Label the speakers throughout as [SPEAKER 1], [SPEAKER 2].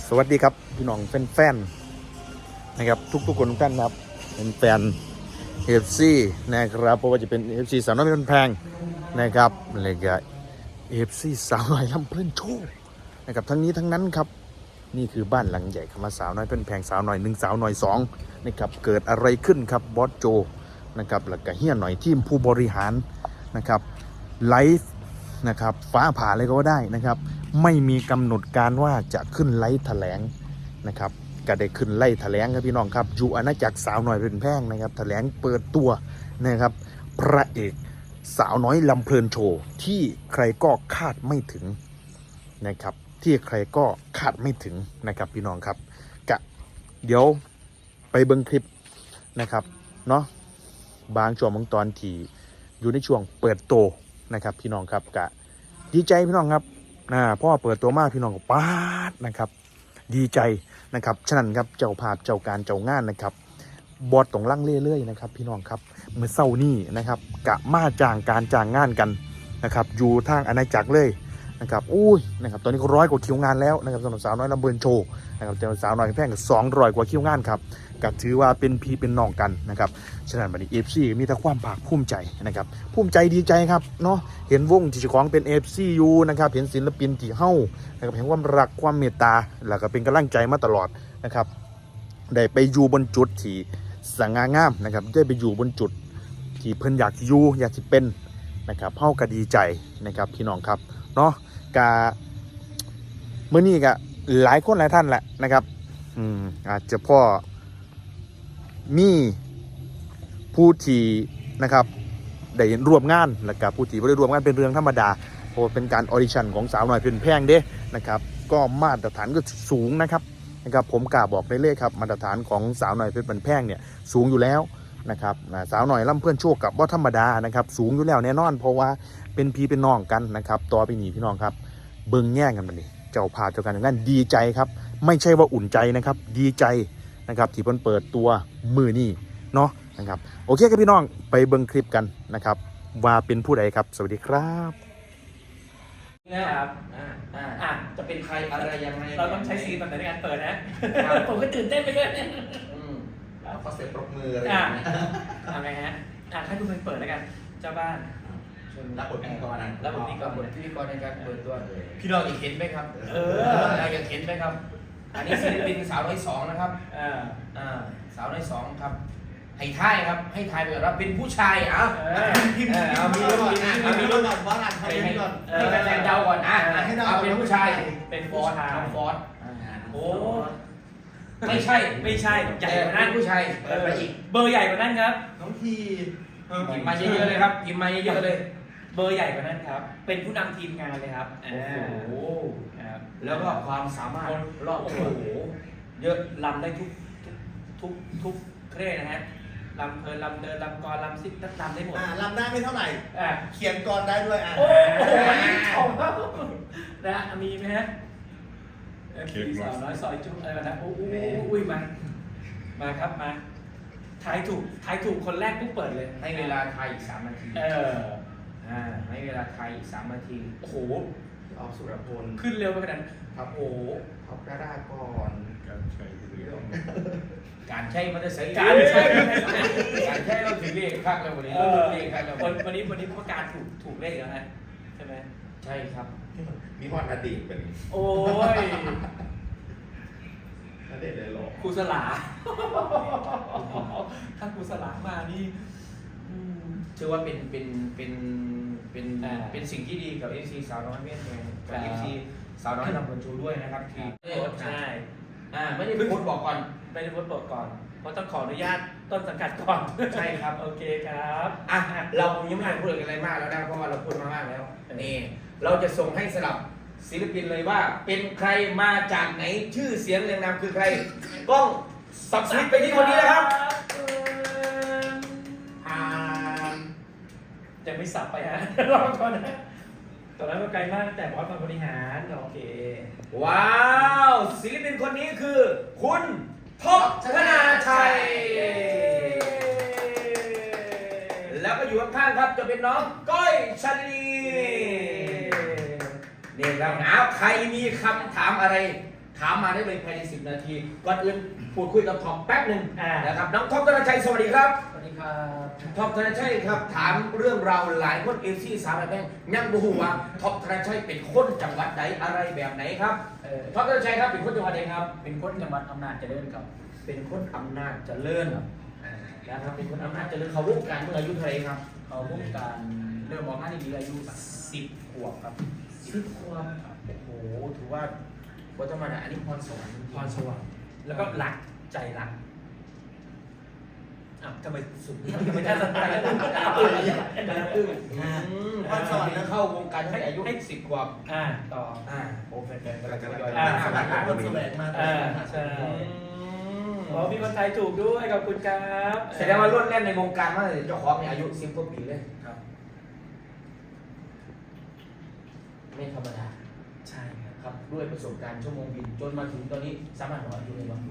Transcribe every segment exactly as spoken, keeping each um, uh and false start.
[SPEAKER 1] สวัสดีครับพี่น้องแฟนๆนะครับทุกๆคนทุกท่านครับเป็นแฟน เอ เอฟ ซี นะครับเพราะว่าจะเป็น เอ เอฟ ซี สาวน้อยเพชรแพงนะครับอะไรก็ เอ เอฟ ซี สาวน้อยลำเพลินโชว์นะครับทั้งนี้ทั้งนั้นครับนี่คือบ้านหลังใหญ่คำว่าสาวน้อยเพชรแพงสาวน้อยหนึ่งสาวน้อยสองนะครับเกิดอะไรขึ้นครับบอสโจนะครับแล้วก็เฮียหน่อยทีมผู้บริหารนะครับไลฟ์นะครับฟ้าผ่าเลยก็ว่าได้นะครับไม่มีกำหนดการว่าจะขึ้นไลฟ์แถลงนะครับก็ได้ขึ้นไล่แถลงครับพี่น้องครับอยู่อาณาจักรสาวน้อยเพชรแพงนะครับแถลงเปิดตัวนะครับพระเอกสาวน้อยลำเพลินโชว์ที่ใครก็คาดไม่ถึงนะครับที่ใครก็คาดไม่ถึงนะครับพี่น้องครับกะเดี๋ยวไปเบิ้งคลิปนะครับเนาะบางช่วงบางตอนที่อยู่ในช่วงเปิดโตนะครับพี่น้องครับกะดีใจพี่น้องครับนะพ่อเปิดตัวมากพี่น้องก็ปาดนะครับดีใจนะครับฉะนั้นครับเจ้าภาพเจ้าการเจ้างานนะครับบอดตรงล่างเรื่อยๆนะครับพี่น้องครับเมื่อเศร้านี่นะครับกะมาจ้างการจ้างงานกันนะครับอยู่ทางอาณาจักรเลยนะครับอุ้ยนะครับตอนนี้ก็ร้อยกว่าคิวงานแล้วนะครับสำหรับสาวน้อยลำเพลินโชว์นะครับแต่สาวน้อยแพงกับสองร้อยกว่าคิวงานครับก็ถือว่าเป็นพี่เป็นน้องกันนะครับฉะนั้นวันนี้ เอ เอฟ ซี มีแต่ความภาคภูมิใจนะครับภูมิใจดีใจครับเนาะเห็นวงที่เจ้าของเป็น เอ เอฟ ซี อยู่นะครับเห็นศิลปินที่เฮ้านะครับเห็นความรักความเมตตาแล้วก็เป็นกำลังใจมาตลอดนะครับได้ไปอยู่บนจุดที่สง่างามนะครับได้ไปอยู่บนจุดที่เพิ่นอยากอยู่อยากจะเป็นนะครับเฮ้าก็ดีใจนะครับพี่น้องครับเนาะกะเมื่อนี้ก็หลายคนหลายท่านแหละนะครับอืมอาจจะพ่อมีผู้ที่นะครับได้ร่วมงานแล้วก็ผู้ที่ไม่ได้ร่วมงานเป็นเรื่องธรรมดาเพราะเป็นการออดิชั่นของสาวน้อยเพชรแพงเด้นะครับก็มาตรฐานก็สูงนะครับนะครับผมกล้าบอกได้เลยครับมาตรฐานของสาวน้อยเพชรแพงเนี่ยสูงอยู่แล้วนะครับสาวน้อยลำเพื่อนโชคกับว่าธรรมดานะครับสูงอยู่แล้วแน่นอนเพราะว่าเป็นพี่เป็นน้องกันนะครับต่อไปนี้พี่น้องครับเบิ่งแย่งกันมาดิเจ้าพาเจ้ากันอย่างนั้นดีใจครับไม่ใช่ว่าอุ่นใจนะครับดีใจนะครับที่เพิ่นเปิดตัวมือนี่เนาะนะครับโอเคครับพี่น้องไปเบิ่งคลิปกันนะครับว่าเป็นผู้ใดครับสวัสดีครับ
[SPEAKER 2] นะครับอ่าอ่าอ่ะจะเป็นใครอะไรยังไงเราต้องใช้ซีนแบบไหนในการเปิดนะผมก็ตื่นเต้นไปด้วย
[SPEAKER 3] อืมแล้วก็เสียงปรบมืออะไรอย่างเงี้ย
[SPEAKER 2] ทำไงฮะอ่ะให้คุณเป็นเปิดแล้วกันเจ้าบ้าน
[SPEAKER 3] รับบทพิธีกรนะ
[SPEAKER 2] รับบทพิธีกร
[SPEAKER 4] บทพิธีกรในการเปิดตัว
[SPEAKER 3] เลย
[SPEAKER 4] พี่น้องอยากเห็นไหมครับ
[SPEAKER 2] เออ
[SPEAKER 4] เราอยากเห็นไหมครับ อันนี้ศิลปินสาวน้อยสองนะครับ
[SPEAKER 2] อ่า
[SPEAKER 4] อ่าสาวน้อยสองครับ ให้ทายครับให้ทายไปก่อนว่าเป็นผู้ชายอ่ะ
[SPEAKER 2] เออ
[SPEAKER 4] พิมพ์เอามีรถก่อนอ่ะมีรถก่อนว่าอ่านให้ให้ให้แฟนๆเดาก่อนอ่ะเอาเป็นผู้ชาย
[SPEAKER 2] เป็นฟ
[SPEAKER 4] ฟ
[SPEAKER 2] อ
[SPEAKER 4] อ
[SPEAKER 2] ร์
[SPEAKER 4] ร์
[SPEAKER 2] ด
[SPEAKER 4] ดฟอร์ด
[SPEAKER 2] โอ้
[SPEAKER 4] ไม่ใช่
[SPEAKER 2] ไม่ใช่ใหญ่กว่านั้น
[SPEAKER 4] เป็นผู้ชายเปิดไปอีก
[SPEAKER 2] เบอร์ใหญ่กว่านั้นครับ
[SPEAKER 3] น้องที
[SPEAKER 4] พิมพ์มาเยอะๆเลยครับพิมพ์มาเยอะๆเลย
[SPEAKER 2] เบอร์ใหญ่กว่านั้นครับเป็นผู้นำทีมงานเลยครับ
[SPEAKER 4] โอ้โห
[SPEAKER 2] ครับ
[SPEAKER 4] แล้วก็ความสามารถรอบ
[SPEAKER 2] โอ้
[SPEAKER 4] ตัว
[SPEAKER 2] โหเยอะลำได้ทุกทุกทุกทุกเครื่องนะฮะลำเพลินลำเดินลำกรลำซิปลำได้หมด
[SPEAKER 3] อ่าลำได้ไม่เท่าไหร่
[SPEAKER 2] อ่ะ
[SPEAKER 3] เขียนกรได้ด้วยอ่ะ
[SPEAKER 2] โอ้โหของเขานะมีไหมฮะพี่สาวน้อยซอยจุ๊อะไรนะโอ้โหอุ้ยมามาครับมาทายถูกทายถูกคนแรกปุ๊บเปิดเลย
[SPEAKER 4] ให้เวลาไทยอีกสามนาที
[SPEAKER 2] เออ
[SPEAKER 4] อ่าให้เวลาไทยอีกสามนาที
[SPEAKER 2] โอ้โห
[SPEAKER 3] ออกสุรพล
[SPEAKER 2] ขึ้นเร็วไปขนาดนั้น
[SPEAKER 3] ครับ
[SPEAKER 2] โอ้โห
[SPEAKER 3] ท็อปดาราก่อน
[SPEAKER 1] การใช้เรื่อง
[SPEAKER 4] การใช้มันจะใส่
[SPEAKER 2] การใช้
[SPEAKER 4] การใช้เราถึงเรียกข้างแล้ววันนี้
[SPEAKER 2] เอ
[SPEAKER 4] เรา
[SPEAKER 2] อ
[SPEAKER 4] เรียกข้างแล้ว
[SPEAKER 2] วันวันนี้วันนี้ประกาศถูกถูกเลขแล้วฮะใช่ไหม
[SPEAKER 4] ใช่ครับ
[SPEAKER 3] มีฮอดอดีตเป็น
[SPEAKER 2] โอ้ย
[SPEAKER 3] อดีตเลยหรอ
[SPEAKER 2] ครูสลา ถ้าครูสลามานี่อืม
[SPEAKER 4] ถือว่าเป็นเป็นเป็นเป็น
[SPEAKER 2] อ่า
[SPEAKER 4] เป็นสิ่งที่ดีกับเอฟซีสาวน้อยเมียนแมน
[SPEAKER 2] ครั
[SPEAKER 4] กับบ เอฟซีสาวน้อยลำพูนชูด้วยนะครับที่
[SPEAKER 2] ใช่
[SPEAKER 4] อ่าไม่ได้พูดบอกก่อน
[SPEAKER 2] ไม่ได้พูดบอกก่อนเพราะต้องขออนุญาตต้นสังกัดก่อน
[SPEAKER 4] ใช่ครับ
[SPEAKER 2] โอเคครับ
[SPEAKER 4] อ่ะเรายังไม่ได้พูดอะไรมากแล้วนะเพราะว่าเราพูดมามากแล้ว
[SPEAKER 2] เออ
[SPEAKER 4] นี่เราจะส่งให้สลับศิลปินเลยว่า เป็นใครมาจากไหนชื่อเสียงเรียงนามคือใครกล้องสับสวิตช์ไปที่คนนี้นะครับ
[SPEAKER 3] อ่าน
[SPEAKER 2] จะไม่สับไปฮะ รอก่อนนะตอนนั้นก็ไกลมากแต่บอสมาบริหารโอเค
[SPEAKER 4] ว้าวศิลปินคนนี้คือ คุณท็อปธนาชัย แล้วก็อยู่ข้างๆครับจะเป็นน้องก้อยชลี นี่ครับเอาใครมีคำถามอะไรถามมาได้เลยภายในสิบนาทีก่อนอื่นพูดคุยกับท็อปแป๊บหนึ่ง
[SPEAKER 2] อ่า
[SPEAKER 4] นะครับน้องท็อปธนชัยสวัสดีครับ
[SPEAKER 2] สวัสดีครับ
[SPEAKER 4] ท็อปธนชัยครับถามเรื่องราวหลายคนเอฟซีสาวแดงยังบ่ฮู้ว่าท็อปธนชัยเป็นคนจังหวัดไหนอะไรแบบไหนครับ
[SPEAKER 2] เออ
[SPEAKER 4] ท็อปธนชัยครับเป็นคนจังหวัดไหนครับ
[SPEAKER 2] เป็นคนจังหวัดอำนาจเจริญครับ
[SPEAKER 4] เป็นคนอำนาจเจริญนะครับเป็นคนอำนาจเจริญเขาวงการเมื่ออายุเท่าไหร่ครับ
[SPEAKER 2] เขาวงการเริ่มออกงานในดีอายุสิบขวบครับ
[SPEAKER 4] สิบขวบโอ้โหถือว่าวัฒนธรรมอันนี้พรสวรรค์
[SPEAKER 2] พรสวรรค์แล้วก็รักใจรักอ่ะทำไมสุดทำไมท่านสไตล์แล้วอึ้งอึ้ง
[SPEAKER 4] พรสวรรค์เข้าวงการให้อายุสิบขวบ
[SPEAKER 2] อ่าต่อ
[SPEAKER 4] อ่าโอ้แฟนๆกำลังจะยอย
[SPEAKER 2] อ่า
[SPEAKER 4] สมัคร
[SPEAKER 3] คนแสวงมา
[SPEAKER 2] อ่าใช่อ๋อมีคนไทยถูกด้วยขอบคุณครับ
[SPEAKER 4] แสดงว่าล้วนแล่นในวงการมาเจ้าของเนี่ยอายุสิบกว่าปีเลย
[SPEAKER 2] ครับ
[SPEAKER 4] ไม่ธรรมดา
[SPEAKER 2] ใช่ครับ
[SPEAKER 4] ครับด้วยประสบการณ์ชั่วโมงบินจนมาถึงตอนนี้สามารถบอกอายุเลยว่า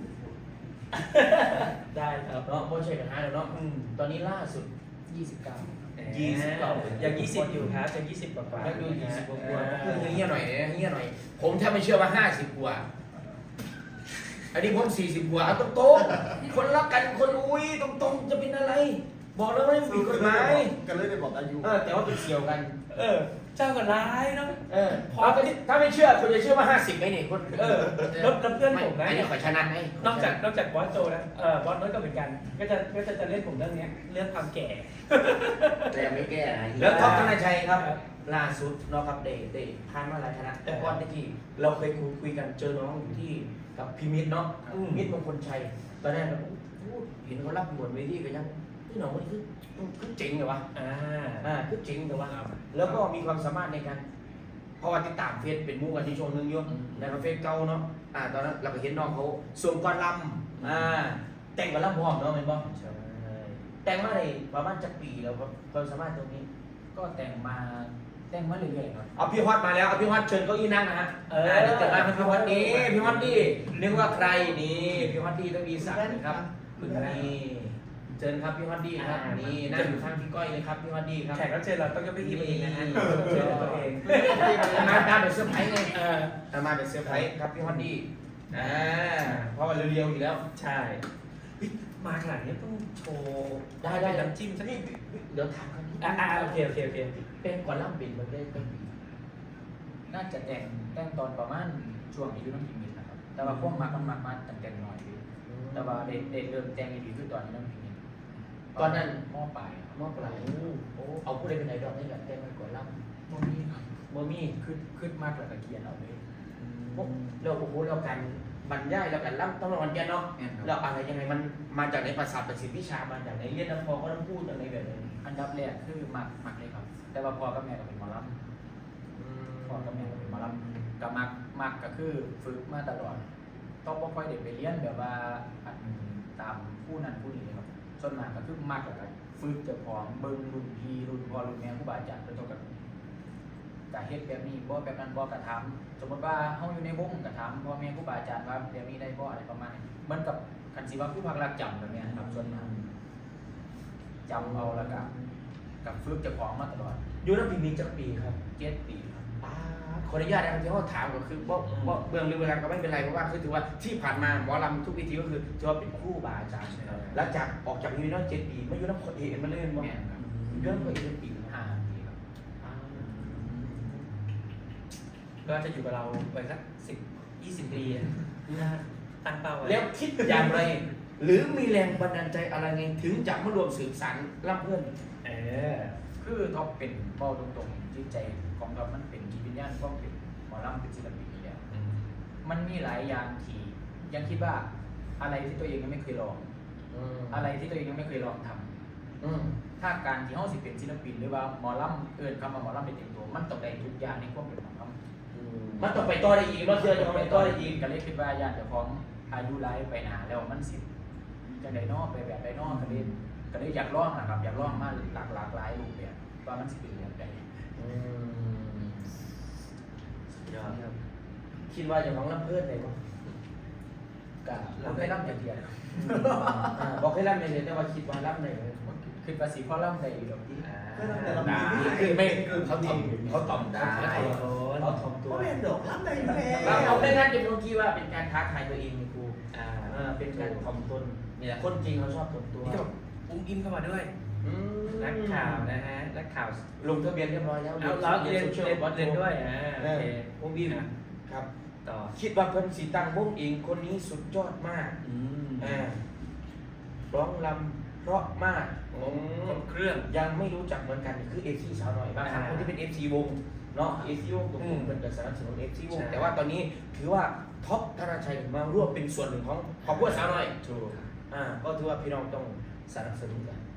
[SPEAKER 2] ได้ครับ
[SPEAKER 4] เนาะไม่ใช่ปัญหาแล้วเนาะ
[SPEAKER 2] อืม
[SPEAKER 4] ตอนนี้ล่าสุด
[SPEAKER 2] ยี่สิบเก้า
[SPEAKER 4] ยี่สิบเก้า
[SPEAKER 2] ยังยี่สิบอยู่ครับยังยี่สิบกว่าๆ
[SPEAKER 4] แล้วดูยี่สิบกว่าๆ
[SPEAKER 2] เอ
[SPEAKER 4] คือ
[SPEAKER 2] อ
[SPEAKER 4] เงี้ยหน่อยเนี่ยเงี้ยหน่อย ผมแทบไม่เชื่อว่าห้าสิบกว่า อันนี้ผมสี่สิบกว่าเอาตรงๆคนรักกันคนอุ้ยตรงๆจะเป็นอะไร บอกแล้วไม่ผิดกฎหมาย
[SPEAKER 3] กันเลยได้บอกอายุ
[SPEAKER 4] เออแต่ว่าเป็นเสี่ยวกัน
[SPEAKER 2] เออ เจ้าก็ร้ายเนาะ
[SPEAKER 4] เออถ้าไม่ถ้าไม่เชื่อคุณจะเชื่อว่าห้าสิบไหมเนี่ยคน
[SPEAKER 2] เออแล้วแล้วเพื่อนผมนะ
[SPEAKER 4] อันนี้ขอชนะไหม
[SPEAKER 2] นอกจากนอกจากบอสโจนะเออบอสน้อยก็เหมือนกัน ก็จะก็จะจะเล่นผมเรื่องเนี้ยเรื่องความแก่
[SPEAKER 3] แต่ยังไม่แก้นะ
[SPEAKER 4] แล้วท็อปธนชัยครับ ล่าสุดเนาะครับเดย์เดย์ผ่านมาหลายคณะแต่ก่อนที่เราเคยคุยคุยกันเจอน้องอยู่ที่กับพี่มิตรเนาะ
[SPEAKER 2] อืม
[SPEAKER 4] มิตรมงคลชัยตอนแรกเราพูดเห็นเขารับบทเวทีกันยังพี่น้องมันคือคือเจ๋งเลยวะ
[SPEAKER 2] อ่า
[SPEAKER 4] อ่าคือเจ๋งเลยวะแล้วก็มีความสามารถในการเพราะว่าติดตามเฟซเป็นหมู่กันที่ช่วงหนึงอยู่นะครับเฟซเก่าเนาะอ่าตอนนั้นเราก็เห็นน้องเขาสวมกอลำอ่าแต่งกอลำพร้อมเนาะเป็นบ่
[SPEAKER 2] ใช่
[SPEAKER 4] แต่งมาในประมาณจักปีแล้วครับความสามารถตรงนี้
[SPEAKER 2] ก็แต่งมาแต่งมาเรื่อยๆครับ
[SPEAKER 4] เอาพี่ฮอตมาแล้วเอาพี่ฮอตเชิญเก้าอี้นั่งนะฮะ
[SPEAKER 2] เออ
[SPEAKER 4] เดี๋ยวจะมาเป็นพี่ฮอตนี่พี่ฮอตนี่นึกว่าใครนี่พี่ฮอตนี่ต้องมีสักดิ์นะครับคุณนี่เชิญครับพี่ฮอตดี้ครับนี่นั่งอยู่ข้างพี่ก้อยเลยครับพี่ฮอตดี้ครับ
[SPEAKER 2] แขกรับเชิญเราต้องยกไปทีมเองนะฮะเชิญตัวเอง
[SPEAKER 4] มาตามแบบเซอร์ไพรส์ไง
[SPEAKER 2] เออ
[SPEAKER 4] เอามาแบบเซอร์ไพรส์ครับพี่ฮอตดี้อ่าเพราะว่าเรียวๆอยู่แล้ว
[SPEAKER 2] ใช่เฮ้ยมาขนาดนี้ต้องโชว์
[SPEAKER 4] ได้ได้
[SPEAKER 2] น้ำจิ้มสักนิด
[SPEAKER 4] เดี๋ยวถามกัน
[SPEAKER 2] อ่าอ่าโอเคโอเคโอเค
[SPEAKER 4] เป็นก่อนล่ำเป็นมันได้เป็นปี
[SPEAKER 2] น่าจะแต่งแต่งตอนประมาณช่วงอายุน้ำกินมิตรนะครับ แต่ว่าพวกมักมันมักมาแต่งแต่งหน่อยพี่แต่ว่าเด็กเด็กเริ่มแต่งดีขึ้นตอนนี้น้ำกินมิตร
[SPEAKER 4] ตอนนั้น
[SPEAKER 2] หม้อปลายครับ
[SPEAKER 4] มอปลายโอ้เอาผู้ใดเป็นไอดอลให้กับแต่งมันก่อนล่ำ
[SPEAKER 2] หม้อมีครับ
[SPEAKER 4] โมมี่
[SPEAKER 2] ขึ้นขึ้นมากกว่าตะเกียนเอาเลย
[SPEAKER 4] พวกเราโอ้โหเราการบรรยายเราการล่ำต้องระวังแกเนาะเราอะไรยังไงมันมาจากในภาษาประสิทธิวิชามาจากในเรียนน้ำพอก็ต้องพูดจากในแบบนี้
[SPEAKER 2] อันดับแรกคือมักมักเลยครับ แต่ว่าพ่อกับแม่ก็เป็นหมอลำพ่อกับแม่ก็เป็นหมอลำก็มักมักก็คือฝึกมาตลอด ต้องบ่ค่อยเด็กไปเรียนแบบว่าอันตามผู้นั้นผู้นี้เลยครับส่วนมากก็คือมักกับฝึกเจ้าของเบิ่งรุ่นพี่รุ่นพ่อรุ่นแม่ครูบาอาจารย์ไปต้องกันกะเฮ็ดแบบนี้บ่แบบนั้นบ่กระทำสมมติว่าเฮาอยู่ในวงกระทำพ่อแม่ครูบาอาจารย์ว่าแบบนี้ได้บ่อะไรประมาณนี้เหมือนกับคันสิว่าผู้พักรักจำแบบเนี้ยครับส่วนมากจำเอาแล้วก็กับฝึกเจ้าของมาตลอด
[SPEAKER 4] อยู่น้ำพิมีจักปีครับ
[SPEAKER 2] เจ็ดปีครับ
[SPEAKER 4] อ่าขออนุญาตนะครับที่เขาถามก็คือบ่บ่เบื้องลึกเวลาก็ไม่เป็นไรเพราะว่าคือถือว่าที่ผ่านมาหมอลำทุกวิธีก็คือถือว่าเป็นครู่บาอาจารย์หลังจากออกจากยูนิคเจ็ดปีไม่อยู่น้ำคนเอกมาเล่นบ่
[SPEAKER 2] แม่นครับ
[SPEAKER 4] เรื่องคนเอกปี
[SPEAKER 2] ห้าปีครับ ก็จะอยู่กับเราไปสักสิบยี่สิบปีนะตั้งเป้าไว้
[SPEAKER 4] แล้วคิดอย่างไร หรือมีแรงบันดาลใจอะไรไงถึงจะมารวมสืบสานรับเพื่อน
[SPEAKER 2] เออคือท็อปเป็นเป้าตรงๆจิตใจของเรามันเป็นจิตวิญญาณก็เป็นหมอลำเป็นศิลปินอยู่แล้วมันมีหลายอย่างที่ยังคิดว่าอะไรที่ตัวเองยังไม่เคยลอง อะไรที่ตัวเองยังไม่เคยลองทำ
[SPEAKER 4] อืม
[SPEAKER 2] ถ้าการที่เขาสิเป็นศิลปินหรือว่าหมอลำเอินคำว่าหมอลำเป็นเต็มตัวมันต้องได้ทุกอย่างในความเป็นหมอลำ
[SPEAKER 4] มันต้องไปต่อได้อีกเราเชื่อจะไปต่อได้อีก
[SPEAKER 2] ก็เลยคิดว่าญาติเจ้าของอายุไลไปหนาแล้วมันสิจะได้นอกไปแบบได้นอกก็เลยก็เลยอยากลองนะครับอยากลองมาหลากหลากหลายรูปแบบว่ามันสิเป็นแบบใด
[SPEAKER 4] อืมยอดครับคิดว่าจะของรับเพื่อนได้ไหม
[SPEAKER 2] ก็เราเคยรับอย่างเดียวครับ
[SPEAKER 4] อ่าบอกให้รับในเลยแต่ว่าคิดว่ารับในเลย
[SPEAKER 2] คือภาษีพ่อล่ำได้อยู่ดอกที่
[SPEAKER 4] ได้คือไม่เขาตอบเขาตอบได้
[SPEAKER 2] โอ้เขาถ่อมตัว
[SPEAKER 3] ก็เป็นดอกรับได้อยู่แล้
[SPEAKER 4] เรา
[SPEAKER 3] ว
[SPEAKER 4] เอาไม่งั้นจะเป็นคิดว่าเป็นการท้าทายตัวเองนี่ครู
[SPEAKER 2] อ่า
[SPEAKER 4] อ่าเป็นการถ่อมตน
[SPEAKER 2] นี่แหละ
[SPEAKER 4] คนจริงเขาชอบถ่อมตัว
[SPEAKER 2] นี่ก็แบบอุ้งอิงเข้ามาด้วย
[SPEAKER 4] อืม
[SPEAKER 2] นักข่าวนะฮะนักข่าว
[SPEAKER 4] ลงทะเบียนเรียบร้อยแล้ว
[SPEAKER 2] เอาเราเรียน
[SPEAKER 4] โซชียล
[SPEAKER 2] เรียน
[SPEAKER 4] บอท
[SPEAKER 2] เรียนด้วยอ่า
[SPEAKER 4] เอ
[SPEAKER 2] โอ
[SPEAKER 4] อ
[SPEAKER 2] เค
[SPEAKER 4] วงบิม
[SPEAKER 2] อ่ะ
[SPEAKER 4] ครับ
[SPEAKER 2] ต่อ
[SPEAKER 4] คิดว่าเพิ่นสีตังวงเองคนนี้สุดยอดมาก
[SPEAKER 2] อืม
[SPEAKER 4] อ่าร้องลำเพราะมากอื
[SPEAKER 2] คร
[SPEAKER 4] ม
[SPEAKER 2] บเครื่อง
[SPEAKER 4] ยังไม่รู้จักเหมือนกันคือเอฟซีสาวหน่อยบางครั้ง
[SPEAKER 2] อ่า
[SPEAKER 4] คนที่เป็นเอฟซีวงเนาะเอฟซีวงตรง
[SPEAKER 2] อื
[SPEAKER 4] นี้
[SPEAKER 2] ม
[SPEAKER 4] เป็นกระสนับสนุนเอฟซีวง
[SPEAKER 2] ใช่
[SPEAKER 4] แต่ว่าตอนนี้ถือว่าท็อปธนชัยมาร่วมเป็นส่วนหนึ่งของครอบครัวสาวหน่อย
[SPEAKER 2] ถูก
[SPEAKER 4] อ่าก็ถือว่าพี่น้องต้องสนับสนุนกัน